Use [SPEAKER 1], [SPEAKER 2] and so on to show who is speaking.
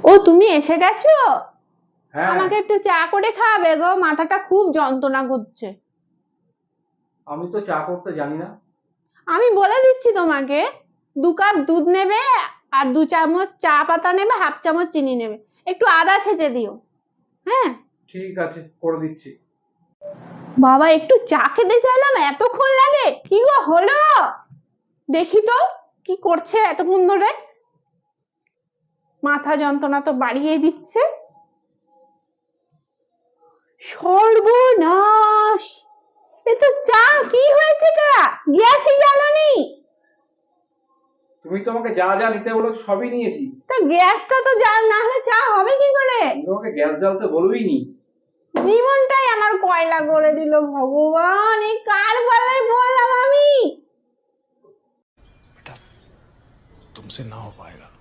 [SPEAKER 1] ও তুমি এসে গেছো?
[SPEAKER 2] হ্যাঁ,
[SPEAKER 1] আমাকে একটু চা করে খাওয়াবে গো, মাথাটা খুব যন্ত্রণা করছে।
[SPEAKER 2] আমি তো চা করতে জানি না।
[SPEAKER 1] আমি বলে দিচ্ছি তোমাকে, 2 কাপ দুধ নেবে, আর 2 চামচ চা পাতা নেবে, হাফ চামচ চিনি নেবে, একটু আদা ছেঁচে দিও। হ্যাঁ
[SPEAKER 2] ঠিক আছে, করে দিচ্ছি।
[SPEAKER 1] বাবা, একটু চা খেতে চাইলাম, এতক্ষণ লাগে? কি গো হলো? দেখি তো কি করছে এতক্ষণ ধরে। মাথা যন্ত্রণা তো বাড়িয়ে দিচ্ছে। সর্বনাশ! এ তো চা কি হয়েছে? গ্যাসই জ্বালানি।
[SPEAKER 2] তুমি তো আমাকে যা যা নিতে বলেছো সবই নিয়েছি।
[SPEAKER 1] তা গ্যাসটা তো জ্বাল না হলে চা হবে কি করে?
[SPEAKER 2] আমি তোমাকে গ্যাস জ্বালতে বলবিনি।
[SPEAKER 1] জীবনটাই আমার কয়লা করে দিল ভগবান, এই কার বেলায় বললাম আমি।
[SPEAKER 3] बेटा तुमसे ना हो पाएगा।